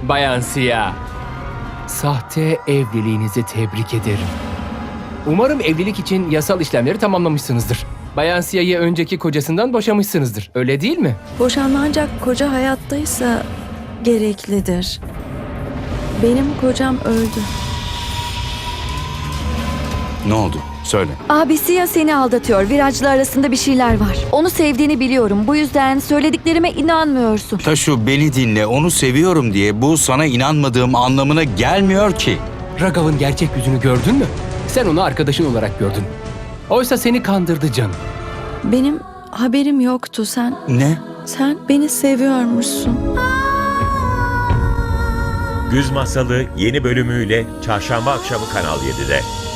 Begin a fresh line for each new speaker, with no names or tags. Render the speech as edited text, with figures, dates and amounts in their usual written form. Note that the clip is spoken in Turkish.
Bayan Sia. Sahte evliliğinizi tebrik ederim. Umarım evlilik için yasal işlemleri tamamlamışsınızdır. Bayan Sia'yı önceki kocasından boşamışsınızdır. Öyle değil mi?
Boşanma ancak koca hayattaysa gereklidir. Benim kocam öldü.
Ne oldu? Söyle.
Abisi ya seni aldatıyor. Virajla arasında bir şeyler var. Onu sevdiğini biliyorum. Bu yüzden söylediklerime inanmıyorsun.
Taşu, beni dinle. Onu seviyorum diye bu sana inanmadığım anlamına gelmiyor ki.
Raghav'ın gerçek yüzünü gördün mü? Sen onu arkadaşın olarak gördün. Oysa seni kandırdı canım.
Benim haberim yoktu.
Ne?
Sen beni seviyormuşsun.
Güz Masalı yeni bölümüyle Çarşamba akşamı Kanal 7'de.